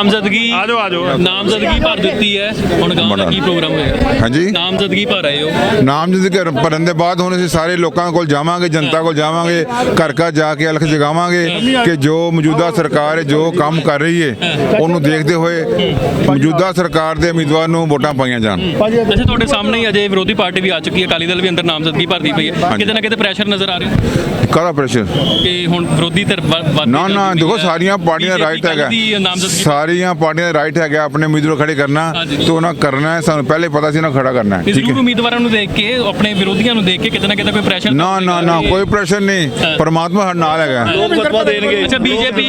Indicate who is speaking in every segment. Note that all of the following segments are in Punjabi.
Speaker 1: ਨਾਮਜ਼ਦਗੀ ਭਰ ਦਿੱਤੀ ਹੈ, ਹੁਣ ਗਾਉਂ ਦਾ ਕੀ ਪ੍ਰੋਗਰਾਮ ਹੋਏਗਾ?
Speaker 2: ਹਾਂਜੀ,
Speaker 1: ਨਾਮਜ਼ਦਗੀ ਭਰ ਆਏ ਹੋ?
Speaker 2: ਨਾਮਜ਼ਦਗੀ ਭਰਨ ਦੇ ਬਾਅਦ ਹੁਣ ਅਸੀਂ ਸਾਰੇ ਲੋਕਾਂ ਕੋਲ ਜਾਵਾਂਗੇ, ਜਨਤਾ ਕੋਲ ਜਾਵਾਂਗੇ, ਘਰ ਘਰ ਜਾ ਕੇ ਅਲਖ ਜਗਾਵਾਂਗੇ ਕਿ ਜੋ ਮੌਜੂਦਾ ਸਰਕਾਰ ਜੋ ਕੰਮ ਕਰ ਰਹੀ ਹੈ ਉਹਨੂੰ ਦੇਖਦੇ ਹੋਏ ਮੌਜੂਦਾ ਸਰਕਾਰ ਦੇ ਉਮੀਦਵਾਰ ਨੂੰ ਵੋਟਾਂ ਪਾਈਆਂ ਜਾਣ।
Speaker 1: ਅੱਛਾ, ਤੁਹਾਡੇ ਸਾਹਮਣੇ ਹੀ ਅਜੇ ਵਿਰੋਧੀ ਪਾਰਟੀ ਵੀ ਆ ਚੁੱਕੀ ਹੈ, ਅਕਾਲੀ ਦਲ ਵੀ ਅੰਦਰ ਨਾਮਜ਼ਦਗੀ ਭਰਦੀ ਪਈ ਹੈ, ਕਿਤੇ ਨਾ ਕਿਤੇ ਪ੍ਰੈਸ਼ਰ ਨਜ਼ਰ ਆ ਰਿਹਾ?
Speaker 2: ਕਾਹਦਾ ਪ੍ਰੈਸ਼ਰ?
Speaker 1: ਕਿ ਹੁਣ ਵਿਰੋਧੀ ਧਿਰ
Speaker 2: ਨਾ ਦੇਖੋ, ਸਾਰੀਆਂ ਪਾਰਟੀਆਂ ਦਾ ਰਾਈਟ ਹੈਗਾ, ਸਾਰੀਆਂ ਪਾਰਟੀਆਂ ਦਾ ਰਾਈਟ ਹੈਗਾ ਆਪਣੇ ਉਮੀਦਵਾਰ ਖੜੇ ਕਰਨਾ ਤੇ ਉਹਨਾਂ ਕਰਨਾ ਹੈ। ਸਾਨੂੰ ਪਹਿਲੇ ਪਤਾ ਸੀ ਨਾ ਖੜਾ ਕਰਨਾ ਹੈ।
Speaker 1: ਠੀਕ ਹੈ, ਉਮੀਦਵਾਰਾਂ ਨੂੰ ਦੇਖ ਕੇ, ਆਪਣੇ ਵਿਰੋਧੀਆਂ ਨੂੰ ਦੇਖ ਕੇ ਕਿਤੇ ਨਾ ਕਿਤੇ ਕੋਈ ਪ੍ਰੈਸ਼ਰ?
Speaker 2: ਨਾ ਕੋਈ ਪ੍ਰੈਸ਼ਰ ਨਹੀਂ, ਪਰਮਾਤਮਾ ਸਾਡੇ ਨਾਲ ਹੈਗਾ।
Speaker 1: ਲੋਕ ਫਤਵਾ ਦੇਣਗੇ। ਅੱਛਾ, ਬੀਜੇਪੀ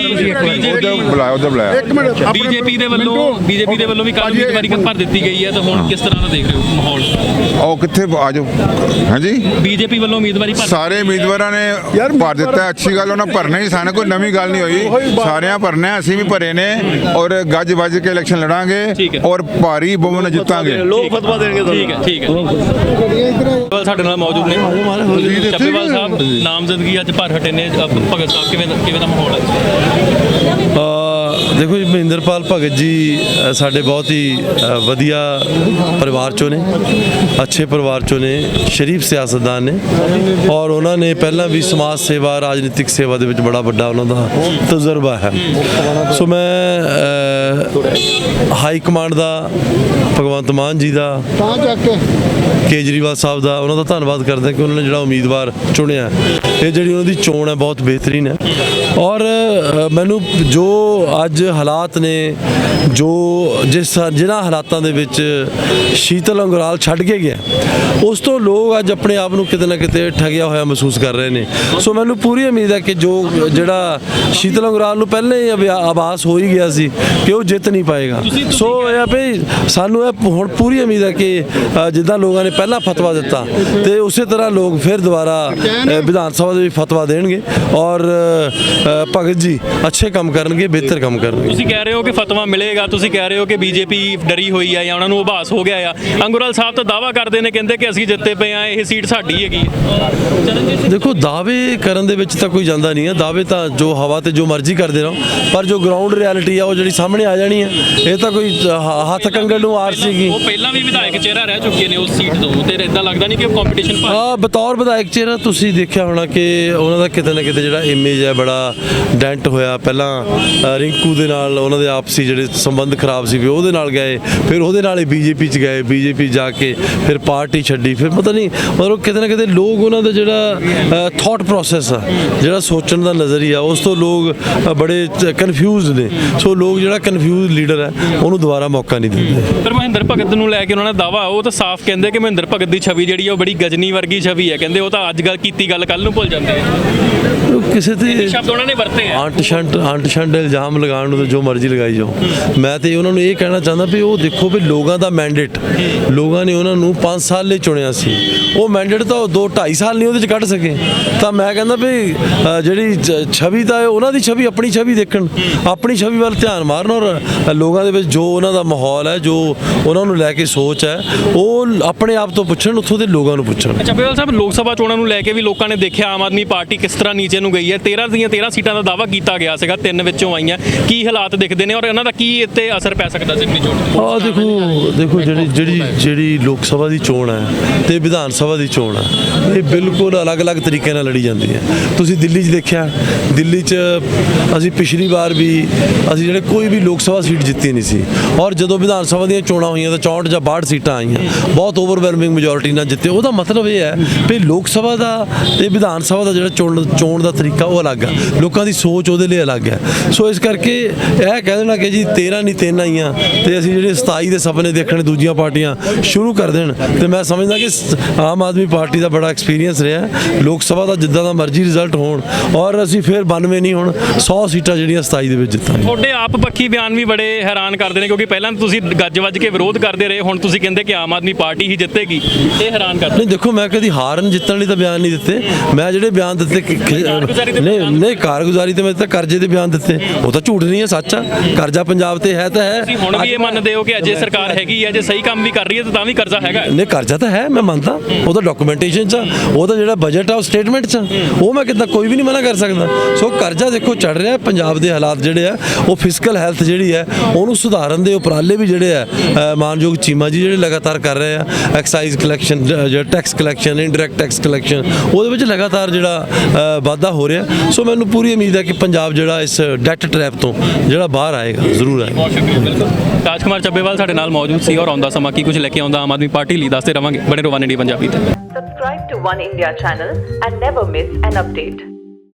Speaker 1: ਦੇ ਵੱਲੋਂ ਵੀ ਕੱਲ੍ਹ ਉਮੀਦਵਾਰੀ ਭਰ ਦਿੱਤੀ ਗਈ ਹੈ, ਤਾਂ ਹੁਣ ਕਿਸ ਤਰ੍ਹਾਂ ਦਾ ਦੇਖ ਰਹੇ ਹੋ ਮਾਹੌਲ?
Speaker 2: ਉਹ ਕਿੱਥੇ ਆ ਜਾਓ। ਹਾਂਜੀ,
Speaker 1: ਬੀਜੇਪੀ ਵੱਲੋਂ ਉਮੀਦਵਾਰੀ
Speaker 2: ਸਾਰੇ ਉਮੀਦਵਾਰਾਂ ਨੇ ਭਰ ਦਿੱਤਾ, ਅੱਛੀ ਗੱਲ, ਉਹਨਾਂ ਭਰਨਾ ਹੀ, ਸਾਨੂੰ ਕੋਈ ਨਵੀਂ ਗੱਲ ਨਹੀਂ ਹੋਈ, ਸਾਰਿਆਂ ਭਰਨਾ, ਅਸੀਂ ਵੀ ਭਰੇ ਨੇ ਔਰ ਗੱਜ ਵੱਜ ਕੇ ਇਲੈਕਸ਼ਨ ਲੜਾਂਗੇ ਔਰ ਭਾਰੀ ਬਹੁਮਤ ਨਾਲ ਜਿੱਤਾਂਗੇ।
Speaker 1: ਲੋਕ ਫਤਵਾ ਦੇਣਗੇ। ਠੀਕ ਹੈ। ਸਾਡੇ ਨਾਲ ਮੌਜੂਦ ਨੇ ਚੱਬੇਵਾਲ ਸਾਹਿਬ, ਨਾਮਜ਼ਦਗੀ ਅੱਜ ਭਰ ਹਟੇ ਨੇ, ਭਗਤ ਸਾਹਿਬ ਕਿਵੇਂ ਦਾ ਮਾਹੌਲ ਹੈ?
Speaker 3: ਦੇਖੋ ਜੀ, ਮਹਿੰਦਰਪਾਲ ਭਗਤ ਜੀ ਸਾਡੇ ਬਹੁਤ ਹੀ ਵਧੀਆ ਪਰਿਵਾਰ ਚੋਂ ਨੇ, ਅੱਛੇ ਪਰਿਵਾਰ ਚੋਂ ਨੇ, ਸ਼ਰੀਫ ਸਿਆਸਤਦਾਨ ਨੇ ਔਰ ਉਹਨਾਂ ਨੇ ਪਹਿਲਾਂ ਵੀ ਸਮਾਜ ਸੇਵਾ, ਰਾਜਨੀਤਿਕ ਸੇਵਾ ਦੇ ਵਿੱਚ ਬੜਾ ਵੱਡਾ ਉਹਨਾਂ ਦਾ ਤਜਰਬਾ ਹੈ। ਸੋ ਮੈਂ ਹਾਈ ਕਮਾਂਡ ਦਾ, ਭਗਵੰਤ ਮਾਨ ਜੀ ਦਾ, ਕੇਜਰੀਵਾਲ ਸਾਹਿਬ ਦਾ, ਉਹਨਾਂ ਦਾ ਧੰਨਵਾਦ ਕਰਦਾ ਕਿ ਉਹਨਾਂ ਨੇ ਜਿਹੜਾ ਉਮੀਦਵਾਰ ਚੁਣਿਆ, ਇਹ ਜਿਹੜੀ ਉਹਨਾਂ ਦੀ ਚੋਣ ਹੈ ਬਹੁਤ ਬਿਹਤਰੀਨ ਹੈ। ਔਰ ਮੈਨੂੰ ਜੋ ਅੱਜ ਹਾਲਾਤ ਨੇ, ਜੋ ਜਿਨ੍ਹਾਂ ਹਾਲਾਤਾਂ ਦੇ ਵਿੱਚ ਸ਼ੀਤਲ ਅੰਗਰਾਲ ਛੱਡ ਕੇ ਗਿਆ, ਉਸ ਤੋਂ ਲੋਕ ਅੱਜ ਆਪਣੇ ਆਪ ਨੂੰ ਕਿਤੇ ਨਾ ਕਿਤੇ ਠੱਗਿਆ ਹੋਇਆ ਮਹਿਸੂਸ ਕਰ ਰਹੇ ਨੇ। ਸੋ ਮੈਨੂੰ ਪੂਰੀ ਉਮੀਦ ਹੈ ਕਿ ਜਿਹੜਾ ਸ਼ੀਤਲ ਅੰਗਰਾਲ ਨੂੰ ਪਹਿਲੇ ਹੀ ਆਭਾਸ ਹੋ ਹੀ ਗਿਆ ਸੀ ਕਿ ਉਹ ਜਿੱਤ ਨਹੀਂ ਪਾਏਗਾ। ਸੋ ਇਹ ਵੀ ਸਾਨੂੰ ਇਹ ਹੁਣ ਪੂਰੀ ਉਮੀਦ ਹੈ ਕਿ ਜਿੱਦਾਂ ਲੋਕਾਂ ਨੇ ਪਹਿਲਾਂ ਫਤਵਾ ਦਿੱਤਾ ਤੇ ਉਸੇ ਤਰ੍ਹਾਂ ਲੋਕ ਫਿਰ ਦੁਬਾਰਾ ਵਿਧਾਨ ਸਭਾ ਦੇ ਵਿੱਚ ਫਤਵਾ ਦੇਣਗੇ ਔਰ ਭਗਤ ਜੀ ਅੱਛੇ ਕੰਮ ਕਰਨਗੇ, ਬਿਹਤਰ ਕੰਮ ਕਰਨਗੇ।
Speaker 1: ਤੁਸੀਂ ਕਹਿ ਰਹੇ ਹੋ ਕਿ ਫਤਵਾ ਮਿਲੇਗਾ, ਤੁਸੀਂ ਕਹਿ ਰਹੇ ਹੋ ਕਿ ਬੀਜੇਪੀ ਡਰੀ ਹੋਈ ਹੈ ਜਾਂ ਉਹਨਾਂ ਨੂੰ ਆਭਾਸ ਹੋ ਗਿਆ ਆ। ਅੰਗਰਾਲ ਸਾਹਿਬ ਤਾਂ ਦਾਅਵਾ ਕਰਦੇ ਨੇ, ਕਹਿੰਦੇ ਕਿ ਅਸੀਂ ਜਿੱਤੇ ਪਏ ਆ, ਇਹ ਸੀਟ ਸਾਡੀ ਹੈਗੀ।
Speaker 3: ਦੇਖੋ, ਦਾਅਵੇ ਕਰਨ ਦੇ ਵਿੱਚ ਤਾਂ ਕੋਈ ਜਾਂਦਾ ਨਹੀਂ ਹੈ, ਦਾਅਵੇ ਤਾਂ ਜੋ ਹਵਾ ਤੇ ਜੋ ਮਰਜ਼ੀ ਕਰਦੇ ਰਹੋ, ਪਰ ਜੋ ਗਰਾਊਂਡ ਰਿਐਲਿਟੀ ਆ ਉਹ ਜਿਹੜੀ ਸਾਹਮਣੇ ਆ ਜਾਣੀ ਹੈ। ਇਹ ਤਾਂ ਕੋਈ ਹੱਥ ਕੰਗਣ ਨੂੰ ਆਰ ਸੀਗੀ।
Speaker 1: ਉਹ ਪਹਿਲਾਂ ਵੀ ਵਿਧਾਇਕ ਚਿਹਰਾ ਰਹਿ ਚੁੱਕੇ ਨੇ ਉਸ ਸੀਟ ਤੋਂ, ਤੇ ਇਦਾਂ ਲੱਗਦਾ ਨਹੀਂ ਕਿ ਕੰਪੀਟੀਸ਼ਨ
Speaker 3: ਬਤੌਰ ਵਿਧਾਇਕ ਚਿਹਰਾ ਤੁਸੀਂ ਦੇਖਿਆ ਹੋਣਾ ਕਿ ਉਹਨਾਂ ਦਾ ਕਿਤੇ ਨਾ ਕਿਤੇ ਜਿਹੜਾ ਇਮੇਜ ਹੈ ਬੜਾ ਡੈਂਟ ਹੋਇਆ। ਪਹਿਲਾਂ ਰਿੰਕੂ ਦੇ ਨਾਲ ਉਹਨਾਂ ਦੇ ਆਪਸੀ ਜਿਹੜੇ ਸੰਬੰਧ ਖਰਾਬ ਸੀ, ਵੀ ਉਹਦੇ ਨਾਲ ਗਏ, ਫਿਰ ਉਹਦੇ ਨਾਲ ਹੀ ਬੀਜੇਪੀ 'ਚ ਗਏ, ਬੀਜੇਪੀ ਜਾ ਕੇ ਫਿਰ ਪਾਰਟੀ ਛੱਡੀ, ਫਿਰ ਪਤਾ ਨਹੀਂ ਮਤਲਬ ਕਿਤੇ ਨਾ ਕਿਤੇ ਲੋਕ ਉਹਨਾਂ ਦਾ ਜਿਹੜਾ ਥਾਟ ਪ੍ਰੋਸੈਸ ਆ, ਜਿਹੜਾ ਸੋਚਣ ਦਾ ਨਜ਼ਰੀਆ, ਉਸ ਤੋਂ ਲੋਕ ਬੜੇ ਕਨਫਿਊਜ਼ਡ ਨੇ। ਸੋ ਲੋਕ ਜਿਹੜਾ ਕਨਫਿਊਜ਼ ਲੀਡਰ ਹੈ ਉਹਨੂੰ ਦੁਬਾਰਾ ਮੌਕਾ ਨਹੀਂ ਦਿੰਦੇ।
Speaker 1: ਪਰ ਮਹਿੰਦਰ ਭਗਤ ਨੂੰ ਲੈ ਕੇ ਉਹਨਾਂ ਦਾ ਦਾਅਵਾ, ਉਹ ਤਾਂ ਸਾਫ਼ ਕਹਿੰਦੇ ਕਿ ਮਹਿੰਦਰ ਭਗਤ ਦੀ ਛਵੀ ਜਿਹੜੀ ਉਹ ਬੜੀ ਗਜਨੀ ਵਰਗੀ ਛਵੀ ਹੈ, ਕਹਿੰਦੇ ਉਹ ਤਾਂ ਅੱਜ ਗੱਲ ਕੀਤੀ ਗੱਲ ਕੱਲ ਨੂੰ ਭੁੱਲ ਜਾਂਦੇ ਆ।
Speaker 3: ਕਿਸੇ ਤੇ
Speaker 1: ਸ਼ਬਦ ਉਹਨਾਂ ਨੇ ਵਰਤੇ ਆ,
Speaker 3: ਅੰਟ ਸ਼ੰਟ ਇਲਜ਼ਾਮ ਲਗਾਉਣ ਨੂੰ ਤਾਂ ਜੋ ਮਰਜ਼ੀ ਲਗਾਈ ਜਾਓ। ਮੈਂ ਤੇ ਉਹਨਾਂ ਨੂੰ ਇਹ ਕਹਿਣਾ ਚਾਹੁੰਦਾ ਵੀ ਉਹ ਦੇਖੋ ਵੀ ਲੋਕਾਂ ਦਾ ਮੈਂਡੇਟ, ਲੋਕਾਂ ਨੇ ਉਹਨਾਂ ਨੂੰ 5 ਸਾਲ ਲਈ ਚੁਣਿਆ ਸੀ, ਉਹ ਮੈਂਡੇਟ ਤਾਂ 2-2.5 ਸਾਲ ਨਹੀਂ ਉਹਦੇ 'ਚ ਕੱਢ ਸਕੇ। ਤਾਂ ਮੈਂ ਕਹਿੰਦਾ ਵੀ ਜਿਹੜੀ ਛਵੀ ਤਾਂ ਉਹਨਾਂ ਦੀ ਛਵੀ, ਆਪਣੀ ਛਵੀ ਦੇਖਣ, ਆਪਣੀ ਛਵੀ ਵੱਲ ਧਿਆਨ ਮਾਰਨ ਔਰ ਲੋਕਾਂ ਦੇ ਵਿੱਚ ਜੋ ਉਹਨਾਂ ਦਾ ਮਾਹੌਲ ਹੈ, ਜੋ ਉਹਨਾਂ ਨੂੰ ਲੈ ਕੇ ਸੋਚ ਹੈ, ਉਹ ਆਪਣੇ ਆਪ ਤੋਂ ਪੁੱਛਣ, ਉੱਥੋਂ ਦੇ ਲੋਕਾਂ ਨੂੰ ਪੁੱਛਣ।
Speaker 1: ਚੱਬੇਵਾਲ ਸਾਹਿਬ, ਲੋਕ ਸਭਾ ਚੋਣਾਂ ਨੂੰ ਲੈ ਕੇ ਵੀ ਲੋਕਾਂ ਨੇ ਦੇਖਿਆ ਆਮ ਆਦਮੀ ਪਾਰਟੀ ਕਿਸ ਤਰ੍ਹਾਂ ਨੀਚੇ ਨੂੰ ਗਈ ਹੈ। 13 ਦੀਆਂ 13 ਸੀਟਾਂ ਦਾ ਦਾਅਵਾ ਕੀਤਾ ਗਿਆ ਸੀਗਾ, 3 ਵਿੱਚੋਂ ਆਈਆਂ। ਕੀ ਹਾਲਾਤ ਦਿਖਦੇ ਨੇ ਔਰ ਇਹਨਾਂ ਦਾ ਕੀ ਇੱਥੇ ਅਸਰ ਪੈ ਸਕਦਾ ਜ਼ਿਮਨੀ ਚੋਣ?
Speaker 3: ਦੇਖੋ ਜਿਹੜੀ ਲੋਕ ਸਭਾ ਦੀ ਚੋਣ ਹੈ ਤੇ ਵਿਧਾਨ ਸਭਾ ਦੀ ਚੋਣ ਹੈ, ਇਹ ਬਿਲਕੁਲ ਅਲੱਗ-ਅਲੱਗ ਤਰੀਕੇ ਨਾਲ ਲੜੀ ਜਾਂਦੀ ਹੈ। ਤੁਸੀਂ ਦਿੱਲੀ 'ਚ ਦੇਖਿਆ, ਦਿੱਲੀ 'ਚ ਅਸੀਂ ਪਿਛਲੀ ਵਾਰ ਵੀ ਅਸੀਂ ਜਿਹੜੇ ਕੋਈ ਵੀ ਲੋਕ ਸਭਾ ਸੀਟ ਜਿੱਤੀ ਨਹੀਂ ਸੀ, ਔਰ ਜਦੋਂ ਵਿਧਾਨ ਸਭਾ ਦੀਆਂ ਚੋਣਾਂ ਹੋਈਆਂ ਤਾਂ 64 ਜਾਂ 62 ਸੀਟਾਂ ਆਈਆਂ, ਬਹੁਤ ਓਵਰਵੈਲਮਿੰਗ ਮੈਜੋਰਿਟੀ ਨਾਲ ਜਿੱਤੇ। ਉਹਦਾ ਮਤਲਬ ਇਹ ਹੈ ਵੀ ਲੋਕ ਸਭਾ ਦਾ ਤੇ ਵਿਧਾਨ ਸਭਾ ਦਾ ਜਿਹੜਾ ਚੋਣ ਦਾ ਤਰੀਕਾ ਉਹ ਅਲੱਗ ਹੈ, ਲੋਕਾਂ ਦੀ ਸੋਚ ਉਹਦੇ ਲਈ ਅਲੱਗ ਹੈ। ਸੋ ਇਸ ਕਰਕੇ ਇਹ ਕਹਿ ਦੇਣਾ ਕਿ ਜੀ 13 ਨਹੀਂ 3 ਆਈਆਂ ਤੇ ਅਸੀਂ ਜਿਹੜੇ 27 ਦੇ ਸੁਪਨੇ ਦੇਖਣੇ ਦੂਜੀਆਂ ਪਾਰਟੀਆਂ ਸ਼ੁਰੂ ਕਰ ਦੇਣ, ਤੇ ਮੈਂ ਸਮਝਦਾ ਕਿ ਆਮ ਆਦਮੀ ਪਾਰਟੀ ਦਾ ਬੜਾ ਐਕਸਪੀਰੀਅੰਸ ਰਿਹਾ ਲੋਕ ਸਭਾ ਦਾ, ਜਿੱਦਾਂ ਦਾ ਮਰਜ਼ੀ ਰਿਜ਼ਲਟ ਹੋਣ ਔਰ ਅਸੀਂ ਫਿਰ 92 ਨਹੀਂ ਹੁਣ 100 ਸੀਟਾਂ ਜਿਹੜੀਆਂ 27 ਦੇ ਵਿੱਚ ਜਿੱਤਾਂਗੇ।
Speaker 1: ਤੁਹਾਡੇ ਆਪ ਪੱਖੀ ਬਿਆਨ ਵੀ ਬੜੇ ਹੈਰਾਨ ਕਰਦੇ ਨੇ, ਕਿਉਂਕਿ ਪਹਿਲਾਂ ਤੁਸੀਂ ਗੱਜ ਵੱਜ ਕੇ ਵਿਰੋਧ ਕਰਦੇ ਰਹੇ, ਹੁਣ ਤੁਸੀਂ ਕਹਿੰਦੇ ਕਿ ਆਮ ਆਦਮੀ ਪਾਰਟੀ ਹੀ ਜਿੱਤੇਗੀ, ਇਹ ਹੈਰਾਨ ਕਰਦੇ।
Speaker 3: ਨਹੀਂ ਦੇਖੋ, ਮੈਂ ਕਦੀ ਹਾਰਨ ਜਿੱਤਣ ਲਈ ਤਾਂ ਬਿਆਨ ਨਹੀਂ ਦਿੱਤੇ, ਮੈਂ ਜਿਹੜੇ ਬਿਆਨ ਦਿੱਤੇ ਨਹੀਂ ਕਾਰਗੁਜ਼ਾਰੀ ਤੇ ਮੈਂ ਤਾਂ ਕਰਜ਼ੇ ਦੇ ਬਿਆਨ ਦਿੱਤੇ, ਉਹ ਤਾਂ ਝੂਠ ਨਹੀਂ ਹੈ, ਸੱਚ ਆ। ਕਰਜ਼ਾ ਪੰਜਾਬ ਤੇ ਹੈ ਤਾਂ ਹੈ।
Speaker 1: ਤੁਸੀਂ ਹੁਣ ਵੀ ਇਹ ਮੰਨਦੇ ਹੋ ਕਿ ਅਜੇ ਸਰਕਾਰ ਹੈਗੀ ਹੈ, ਜੇ ਸਹੀ ਕੰਮ ਵੀ ਕਰ ਰਹੀ ਹੈ ਤਾਂ ਵੀ ਕਰਜ਼ਾ ਹੈਗਾ?
Speaker 3: ਨਹੀਂ, ਕਰਜ਼ਾ ਤਾਂ ਹੈ, ਮੈਂ ਮੰਨਦਾ। ਉਹ ਤਾਂ ਡਾਕੂਮੈਂਟੇਸ਼ਨ 'ਚ ਆ, ਉਹ ਤਾਂ ਜਿਹੜਾ ਬਜਟ ਆ ਉਹ ਸਟੇਟਮੈਂਟ 'ਚ ਆ, ਉਹ ਮੈਂ ਕਿੱਦਾਂ ਕੋਈ ਵੀ ਨਹੀਂ ਮਨਾ ਕਰ ਸਕਦਾ। ਸੋ ਕਰਜ਼ਾ ਦੇਖੋ ਚੜ ਰਿਹਾ। ਪੰਜਾਬ ਦੇ ਹਾਲਾਤ ਜਿਹੜੇ ਆ ਉਹ ਫਿਸਕਲ ਹੈਲਥ ਜਿਹੜੀ ਹੈ ਉਹਨੂੰ ਸੁਧਾਰਨ ਦੇ ਉਪਰਾਲੇ ਵੀ ਜਿਹੜੇ ਆ ਮਾਨਯੋਗ ਚੀਮਾ ਜੀ ਜਿਹੜੇ ਲਗਾਤਾਰ ਕਰ ਰਹੇ ਆ। ਐਕਸਾਈਜ਼ ਕਲੈਕਸ਼ਨ, ਜਿਹੜਾ tax collection, indirect tax collection, ਉਹਦੇ ਵਿੱਚ ਲਗਾਤਾਰ ਜਿਹੜਾ ਵਾਧਾ ਹੋ ਰਿਹਾ। ਸੋ ਮੈਨੂੰ ਪੂਰੀ ਉਮੀਦ ਹੈ ਕਿ ਪੰਜਾਬ ਜਿਹੜਾ ਇਸ ਡੈਟ ਟ੍ਰੈਪ ਤੋਂ ਜਿਹੜਾ ਬਾਹਰ ਆਏਗਾ, ਜ਼ਰੂਰ ਆਏਗਾ।
Speaker 1: ਬਹੁਤ ਸ਼ੁਕਰੀਆ। ਬਿਲਕੁਲ ਰਾਜਕੁਮਾਰ ਚੱਬੇਵਾਲ ਸਾਡੇ ਨਾਲ ਮੌਜੂਦ ਸੀ ਔਰ ਆਉਂਦਾ ਸਮਾਂ ਕੀ ਕੁਝ ਲੈ ਕੇ ਆਉਂਦਾ ਆਮ ਆਦਮੀ ਪਾਰਟੀ ਲਈ ਦੱਸਦੇ ਰਵਾਂਗੇ। ਬਣੇ ਰਹੋ ਵਨ ਇੰਡੀਆ ਪੰਜਾਬੀ ਤੇ।
Speaker 4: Subscribe to One India channel and never miss an update.